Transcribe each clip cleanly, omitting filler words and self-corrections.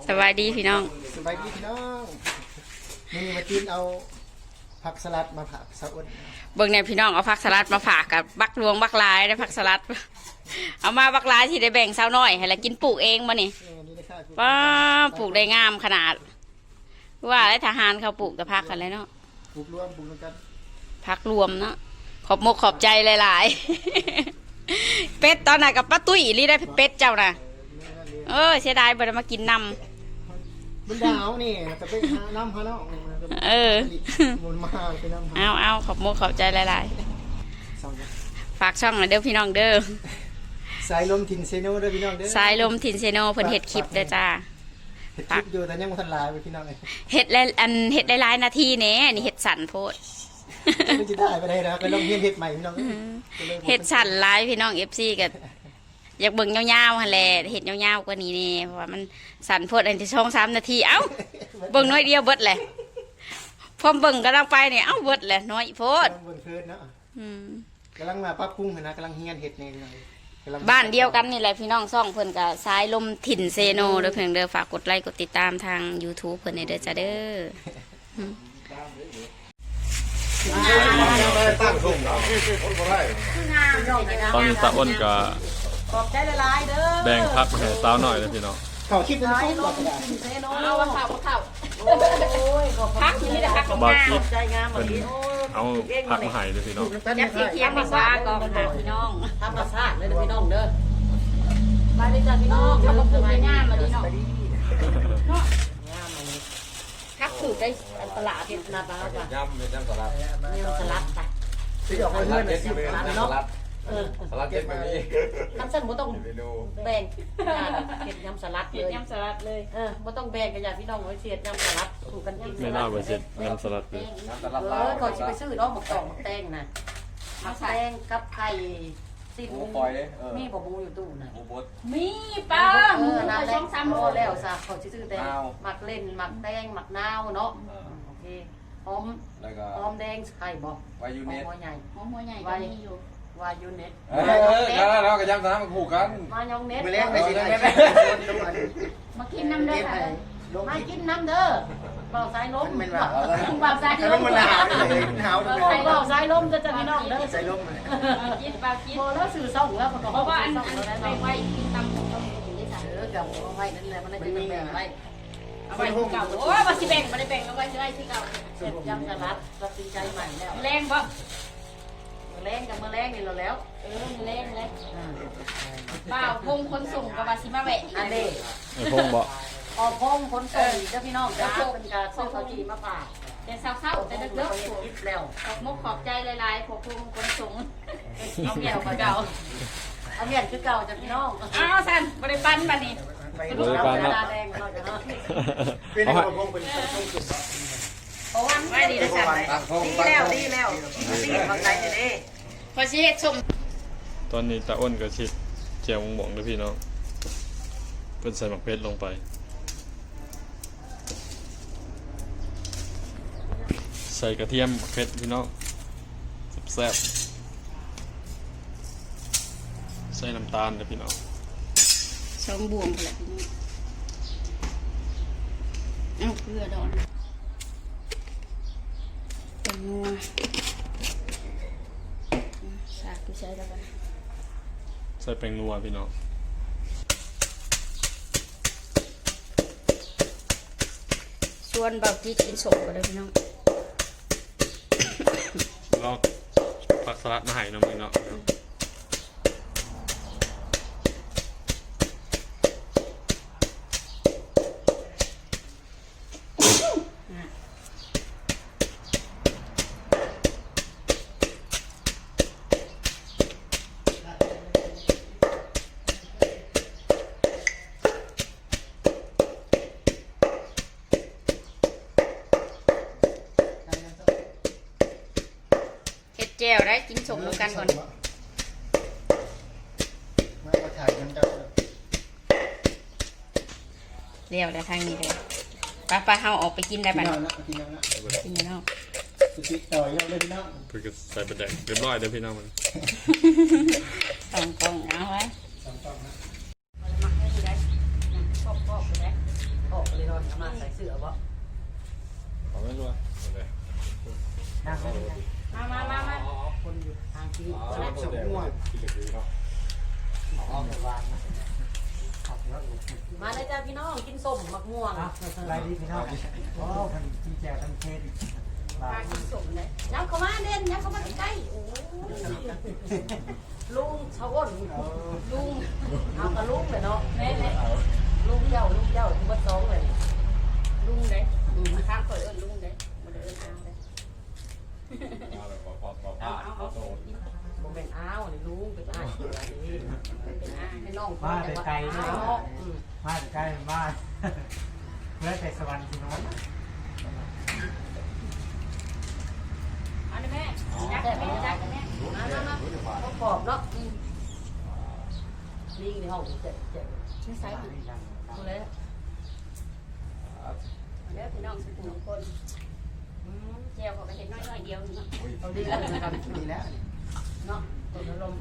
สบายดีพี่น้องสบายดีพี่น้องนี่มากินเอาผักสลัดมาผักสะอดเบิ่งเนี่ยพี่น้องเอาผักสลัดมาฝากกับบักรวงบักลายได้ผักสลัดเอามาบักลายที่ได้แบ่งสาวน้อยให้ละกินปลูกเองมานี่ว้าปลูกได้งามขนาดว่าได้ทหารเขาปลูกแต่ผักกันเลยเนาะปลูกรวมปลูกกันผักรวมเนาะขอบมกขอบใจหลายๆเป็ดตอนไหนกับป้าตุ้ยรีได้เป็ดเจ้าน่ะเสียดายบ่ได้มากินนำมันดาวนี่จะไปหาน้ำหาเนาะมันมาไปน้ำเอาขอบมกขอบใจหลายๆฝากช่องหน่อยเด้อพี่น้องเด้อสายลมถิ่นเซโนเด้อพี่น้องเด้อสายลมถิ่นเซโนเพิ่นเฮ็ดคลิปเด้อจ้าเฮ็ดคลิปอยู่แต่ยังบ่ทันลายไปพี่น้องเลยเฮ็ดหลายนาทีแหน่นี่เฮ็ดสั่นโพดไม่จะได้ไปได้นะก็ลองเฮ็ดใหม่พี่น้องเฮ็ดสั่นหลายพี่น้อง FC ก็อยากเบิ่งยาวๆหั่นแหละเฮ็ดยาวๆกว่านี้นี่เพราะว่ามันสั่นโพดอันที่2-3 นาทีเอ้าเบิ่งน้อยเดียวเบิดแหละพร้อมเบิ่งกำลังไปเนี่ยเอ้าเบิดแหละน้อยโพดเบิ่งเพิ่นเนาะกำลังมาปรับปรุงนะกำลังเฮียนเฮ็ดนี่บ้านเดียวกันนี่แหละพี่น้องซ่องเพิ่นก็สายลมถิ่นเซโนเด้อเพิ่นเด้อฝากกดไลค์กดติดตามทาง YouTube เพิ่นเด้อจ้าเด้อตอนนี้ตาอ้นก็แบ่งพักมาให้สาวหน่อยเลยพี่น้องเขาคิดเป็นส้มก่อนเอาข่าวพักที่นี่แต่พักของงามใจงามเป็นเอาพักมาให้เลยพี่น้องยักษ์เทียมมาว่ากองหาพี่น้องธรรมชาติเลยพี่น้องเด้อไปเลยจ้าพี่น้องเขาบอกเป็นงามมาดีเนาะพักถือได้ตลาดเห็นนาตาป่ะย่ำสลัดสลัดไปที่ออกมาเพื่อนน่ะสิสลัดเนาะสลัดเก็บแบบนี้น้ำเส้นบ่ต้องแบ่งเก็บยำสลัดเลยยำสลัดเลยบ่ต้องแบ่งกันอย่าพี่น้องไว้เสียดยำสลัดถูกกันกินไม่น่าไปเสร็จยำสลัดเลยก่อนจะไปซื้อเนาะหมกตองหมกแตงนะหมกแตงกับไข่สิ้นมีบ่มูอยู่ตู้น่ะมีป้าน้ำแดง3 โลแล้วซะเขาสิซื้อแต่หมักเล่นหมักแตงหมักนาวเนาะโอเคหอมแดงไข่บ่วายูเน็ตหัวใหญ่หัวใหญ่ก็มีอยู่วายูเน็ตแล้วก็ยำสลัดมาคู่กันมายองเน็ตมากินน้ำเด้อมากินน้ำเด้อเบาสายลมเบาสายลมมันหนาวเลยหนาวเลยเบาสายลมจะพี่น้องเด้อสายลมกินเบากินพอแล้วสื่อส่งแล้วเพราะว่าอันไปไว้กินตำต้องกินได้จ้ะกับไว้นั่นแหละมันจะแบ่งไว้เอาไว้ที่เก่าโอ้ยมาสิแบ่งมาได้แบ่งเอาไว้ที่ไรที่เก่าเสร็จยำสลัดตัดสินใจใหม่แล้วแรงบ่แรงกับมาแรงนี่เราแล้วแรงเลยเปล่าพงคนส่งกับวาซิมาแวะอันนี้พงบ่ออกพงคนส่งเจ้าพี่น้องจ้าเป็นการซื้อข้าวจีมาฝากแต่เศร้าๆแต่เลิกๆคิดแล้วขอบมุกขอบใจหลายๆพวกพงคนส่งเอาเมียนเก่าเอาเมียนคือเก่าจ้าพี่น้องอ้าวสันบริปันบัดนี้บริปันนะเป็นอะไรพงเป็นส้มสุดโอ้ยไม่ดีนะฉันดีแล้วทำใจจะดีพอชี้เห็ดชมตอนนี้ตาอ้นก็ชิดเจียวมงๆเลยพี่น้องเป็นใส่หมักเพชรลงไปใส่กระเทียมหมักเพชรพี่น้องแซ่บใส่น้ำตาลเลยพี่น้องสองบวงแหละพี่น้องเอาเกลือดอนเป็นนัวสากกูใช้แล้วกันใส่แป้งนัวพี่น้องส่วนเบาจีกินสดก็ได้พี่น้องลอกผักสลัดมาให้น้องพี่น้องแจ่วได้กินสมแล้วกันก่อนมาถ่ายกันเจ้าเดี๋ยวทางนี้เลยป้าเฮาออกไปกินได้ป่ะกินแล้วกินแล้วติดต่อยเลยพี่น้องเพื่อใส่ประเด็นเรียบร้อยเดี๋ยวพี่น้องมันสองกล่องเอาไว้พออกไปเลยนอนทำงานใส่เสื้อบ่ขอไม่รู้อะโอเคนั่งเลยมาคนอยู่ทางที่สลับสมม่วงกินเหล็กดีเนาะเอาไปวางขับแล้วมาเลยจ้าพี่น้องกินส้มมะม่วงอะไรดีพี่น้องโอ้พันจีแจทันเทศปลากินสมเลยย้ำเข้ามาเด่นย้ำเข้ามาใกล้ๆโอ้ลุงชาวอ้นลุงเอากระลุงเลยเนาะแม่ลุงเจ้าเบิดสองเลยลุงเด้ข้างเปิดเอิญลุงเด้บ่ได้เอิญอ้าวเด้มาแบบพอเอาโตโมเมนต์อ้าวนี่ลุงเป็นอ้ายเป็นอะไรนี่เป็นอ้าให้น้องมาแต่ไกลเนาเนาะะมาแต่ใกล้มาเมื่อแต่สวรรค์พี่น้องเอาดิแม่ยักษ์แม่ยักษ์แม่มาต้องปอบเนาะลิงในห้องเจ็บไม่ใส่ถุงดูเลยแล้วพี่น้องสุขุมคนเจียวเขาก็เห็นน้อยเดียวเนาะเอาดีแล้วนะครับดีแล้วเนาะต้นลม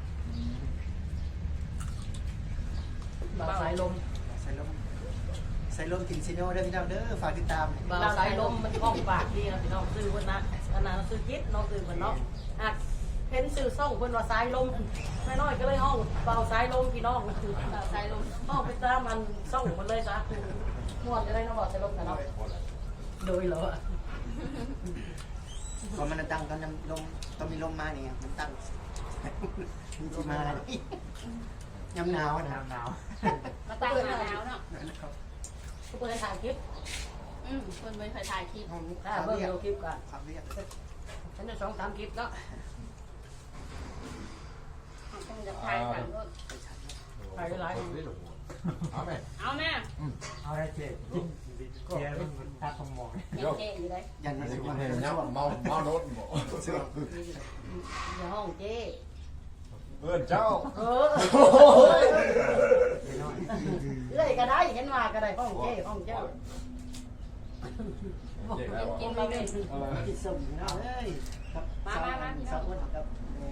บ่าวสายลมใส่ลมกินซิโน่เด้อพี่น้องเด้อฝากติดตามบ่าวสายลมมันห้องปากดีนะพี่น้องซื้อคนนะอันนั้นซื้อคิดน้องซื้อคนเนาะอ่ะเห็นซื้อส่งคนว่าสายลมน้อยๆก็เลยห้องบ่าวสายลมพี่น้องคือเราใส่ลมห้องไปตามมันส่งมันเลยจ้ะม่วนจะได้น้องบอกสายลมกันเนาะโดยเหรอพอมันตั้งตอนลมต้องมีลมมาเนี่ยมันตั้งมันจะมาย้ำหนาวนะหนาวมาตั้งหาแล้วเนาะทุกคนให้ถ่ายคลิปคนไม่เคยถ่ายคลิปถ้าเบิ่งดูคลิปกันความเรียบฉันจะ2-3คลิปเนาะต้องจะถ่ายกันก็ถ่ายหลายเอาไหมเอาแม่เอาได้เจ๊เจ๊มันตาสมองเจ๊อยู่เลยยันไม่สุดเห็นยังเมาโน้ตบ่อย่าห้องเจ้เพื่อนเจ้าเอ้ยก็ได้เห็นว่าก็ได้ห้องเจ้ห้องเจ้ากินมาเป็นกินสมเนาะเอ้ยครับสองคนครับ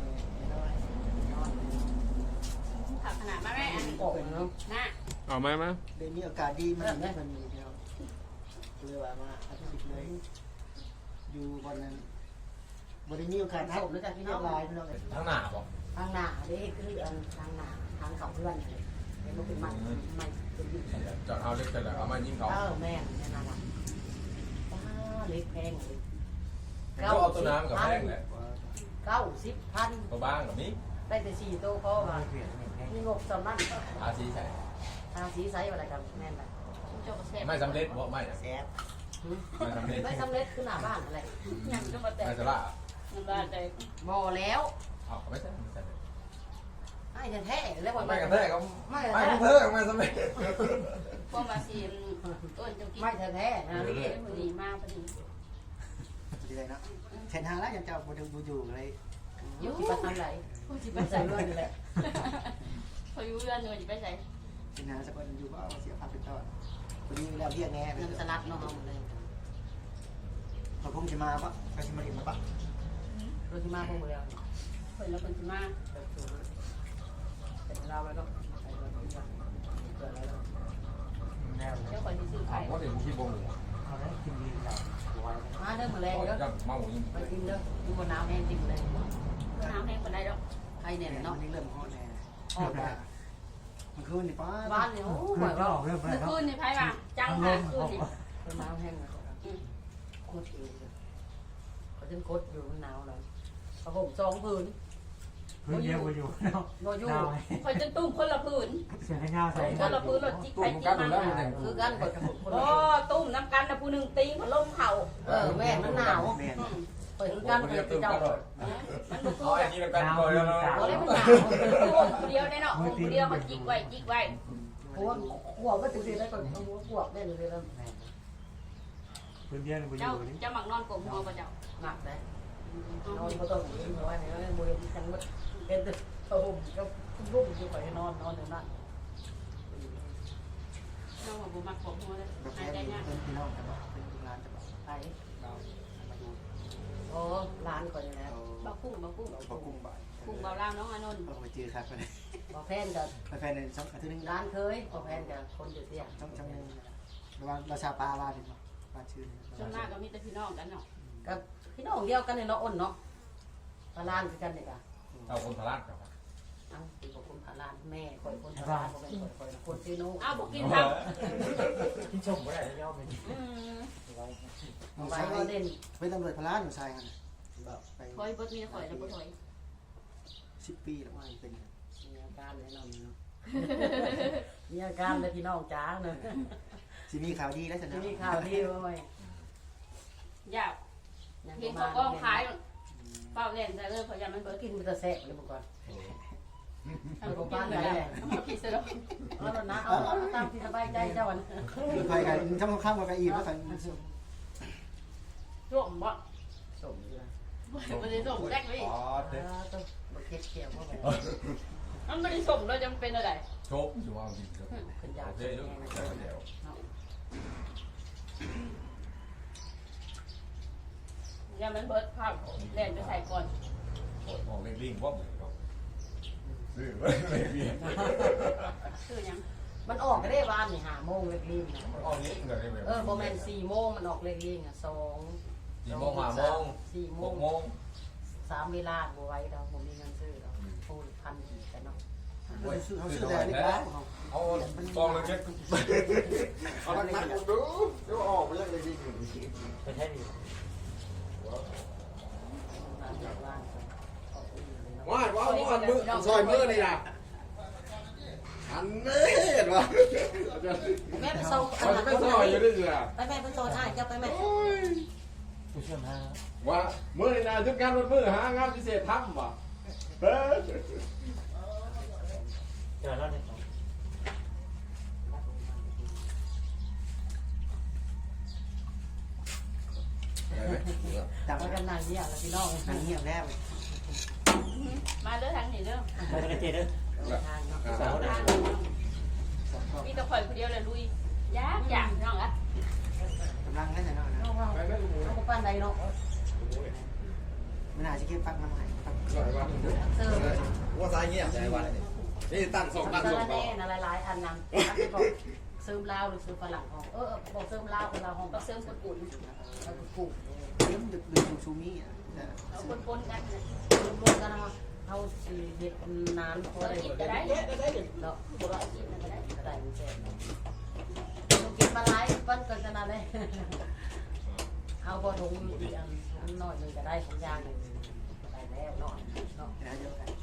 ขับขนาดมาแม่อันโอ้ยเนาะน่ะเอาไหมเดี๋ยวมีโอกาสดีมันมันมีเดียวเลยว่ามาอาทิตย์เลยอยู่วันนั้นบริมีโอกาสทักแล้วกันพี่น้องลายพี่น้องทั้งหน้าบ่ทางหน้าเด้คือทางหน้าทางเขาเพื่อนเห็นมันเป็นมันเป็นยิ่งจะเอาเล็กแต่ละเอามายิงเขาแม่แม่น่ารักเล็กแพงเลยก็เอาตัวน้ำกับแป้งแหละ 90,000 ตัวบ้างกับนี้ได้แต่4ตัวพอว่ามีงบสำนักอาชีใส่ทางสีไซส์อะไรกันแม่นแหละโจ๊กเซ็ตไม่สำเร็จบ่ไม่แซ่บไม่สำเร็จไม่สำเร็จคือหน้าบ้านอะไรยังก็มาแต่ไม่สละมันว่าใจบ่แล้วเอาไม่ใช่ไม่ใช่ไม่แท้ๆแล้วไม่กระแทกก็ไม่กระแทกไม่สำเร็จพวกมาซีต้นจะกินไม่แท้ๆนะนี่พอดีมากพอดีดีเลยเนาะเห็นหาแล้วยังจะบริบูอยู่เลยอยู่ที่ประทันไหนพอดีไปไม่ใส่ใส่เลืเลืออดดอยู่แหละพออยู่เลือดเนื้อจะไปใส่เห็นหาสักวันอยู่ก็เสียภาพเป็นต้นวันนี้แล้วเรียกแง่เงินสลัดเนาะเลยเขาคงจะมาปะเขาจะมาเรียนมาปะโรชิมาพวกเดียวคนละคนจะมาเป็นเราแล้วก็ใส่เงินที่ว่าเกิดอะไรแล้วแนวเจ้าคนที่ซื้อไข่เพราะเดี๋ยวที่บ่งเขาได้กินดีแล้วไว้มาเด้อมาแรงเด้อจะเมายิงไปกินเด้อดูบนน้ำแห้งจิ้มเลยน้ำแห้งคนได้ดอกใครเนี่ยเนาะเนาะนี่เริ่มฮอตแน่มันคืนนี่ป้าบ้านเนี่ยโอ้หวยว่าเริ่มเมื่อคืนนี่ไพ่ว่าจังหาคืนนี่เป็นน้ำแห้งเลยโคตรเองเขาจะกดอยู่มันหนาวเลยผ้าห่ม2 ผืนพื้นเดียวอยู่เนาะบ่อยู่คอยจะตุ้มคนละผืนเสียงเงาใส่คนละผืนรถจิกไปจิกมาคือกันกดกับคนโอ้ตุ้มน้ำกันนะผู้หนึ่งตีพัดลมเข่าแม่มันหนาวแม่เปิดคือกันเปิดที่เจ้ามันบุกเอาไอ้นี่กันก่อนแล้วโอ้ยมันหนาวคนเดียวได้เนาะคนเดียวมันจิกไว้จิกไว้หัวหัวก็ถึงได้ก่อนหัวขวบได้เลยแล้วพื้นเดียวอยู่เจ้าเจ้าหมักนอนกลมหัวป่ะเจ้าหนักเลยนอนก็ต้องยิงไว้ในนั้นมือที่กันมันเป็นตึกผ้าห่มก็รุ่มอยู่ไปนอนอยู่นั่นเจ้าหัวบุมักกลมหัวเลยแบบหายใจนี้ง่ายเป็นพี่น้องกันเป็นร้านจะบอกไปเรามาดูโอ้ร้านก่อนแล้วบากุ้งบากุ้งเรากุ้งบ่ายกุ้งเบาเล่าน้องอานนท์เราไปเจอครับกันพอแฟนกับแฟนในช่องอาทิตย์นึงร้านเคยพอแฟนกับคนอยู่เสียช่องนึงเราชาปลาว่าเป็นปลาชื่อส่วนมากก็มีแต่พี่น้องกันเนาะก็พี่น้องเดียวกันเนี่ยเนาะอ้นเนาะพาลานคือกันเนี่ยค่ะเอาคนพลาดกับเอาตีกับคนพาลานแม่คอยคนพาลานบ่เป็นคอยคนชื่อโน้อ้าวบอกกินครับที่ชมไม่ได้ย่อมเป็นไว้ก็เด่นเป็นตำรวจพลานอยู่ชายกันไปถอยบดมีถอยแล้วบ่ถอย 10 ปีแล้วว่าเป็นมีอาการแน่นอนเนาะมีอาการเลยพี่น้องจ้าเนาะสิมีข่าวดีแล้วฉันที่นะนี่ข่าวดีไว้อยากเห็นเขากองขายเปล่าเล่นแต่เลิกเขายังมันเบิดกินมันจะแซ่บเลยก่อนเอาไปกินเลยเอาผิดซะแล้วเอานะเอาตามที่สบายใจเจ้าวันไปกันช่ำข้ามกับอีกแล้วกันร่วมบ่สมอยู่นะบ่ได้ส่งแรกเลยอ๋อต้องมาเก็บเกี่ยวเข้าไปมันบ่ได้ส่งแล้วจะเป็นอะไรโชคอยู่ว่าจริงครับขึ้นยาเดี๋ยวเดี๋ยวยังมันเบิดภาพเล่นไปใส่ก่อนมองเล่งๆว่าเหมือนกับซื้อไม่เปลี่ยนคือยังมันออกก็ได้วานนี่5 โมงเล็กลิงนะออกนี้เงินได้ไหมโมเมนต์4 โมงมันออกเล็กลิงอ่ะ2 4 โมง 5 โมง 4 โมง 6 โมง 3 เวลาบ่ไหว้เราบ่มีเงินซื้อเราพูดพันอีกกันเนาะเขาซื้อแต่เล็กแล้วเอากองเลยเช็คเอาหนักๆดูเดี๋ยวออกไปแล้วเลยดีไปแค่นี้ว้ายว้าวอันมือซอยมือนี่นะอันนี้เห็นปะแม่ไปส่งเขาจะไม่ซอยอยู่ด้วยจ้ะไปแม่ไปส่งอ้ายเจ้าไปแม่ว่ามือนี่นะทุกการรถมือหางานพิเศษทำว่ะเฮ้ยจับไปกันนานเนี่ยแล้วพี่น้องหนังเงียบแล้วมาเด้อทางนี้เด้อทางเนาะมีแต่ข่อยคนเดียวเลยลุยยากอย่างน้องอ่ะกำลังนั่นน่ะน้องว่าเขาปั้นใดเนาะมันอาจจะเก็บปักน้ำหายปักเสิร์ฟว่าสายเงียบใจวันนี่ตั้งส่งตั้งสาส่งรต่อแน่นะหลายๆอันนั้นเสริมลาวหรือเสริมฝรั่งห้องบอกเสริมลาวคนลาวห้องก็เสริมปุ่นเราปลูกเริ่มดึกชูมี่อ่ะเอาปนๆกันรวมกันนะเขาสีเห็ดนานพอได้กินก็ได้เนาะบ่ว่ากินก็ได้ก็ได้มันแซ่บต้องกินมาหลายวันเกินขนาดเลยเอาบอถุงอันน้อยนึงก็ได้ของยางนึงได้แล้วเนาะเดียวกัน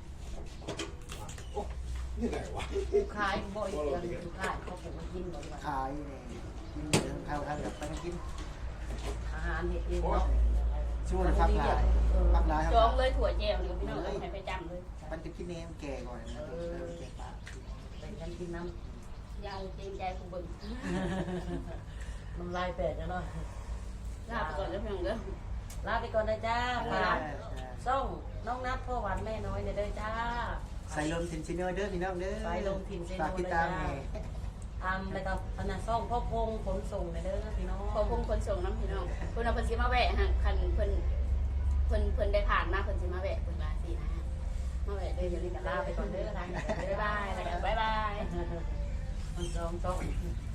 นี่ไหนวะผู้ขายบ่อยกันผู้ขายเขาปลูกมากินบ่อยขายเนี่ยกินข้าวข้าวแบบไปกินอาหารเห็ดเองเนาะช่วงพักลายพักลายจองเลยถั่วแจวเดี๋ยวพี่น้องให้ไปจำเลยมันจะกินเองแก่ก่อนแก่ปากเป็นกันกินน้ยาวเกรงใจผู้เบิ่งำน้ำลายแตกเนาะลาไปก่อนแล้วพี่น้องเด้อลาไปก่อนนะจ้าฝากส่งน้องนัดพ่อหวานแม่น้อยเด้อจ้าใส่ลมทินซินเนอร์เด้อพี่น้องเด้อสายลมทินเซโนฝากติดเลยตามจ้าแม่แล้วก็พนักซ่องพ่อพงขนส่งเด้อพี่น้องขอพุ่งคนส่งน้ำพี่น้องเพิ่นเอาเพิ่นสิมาแวะฮะคันเพิ่นได้ผ่านมาเพิ่นสิมาแวะเพิ่นว่าสินะฮะมาแวะเดี๋ยวนี้ก็ลาไปก่อนเด้อทางบ๊ายบายแล้วก็บ๊ายบายมันจอง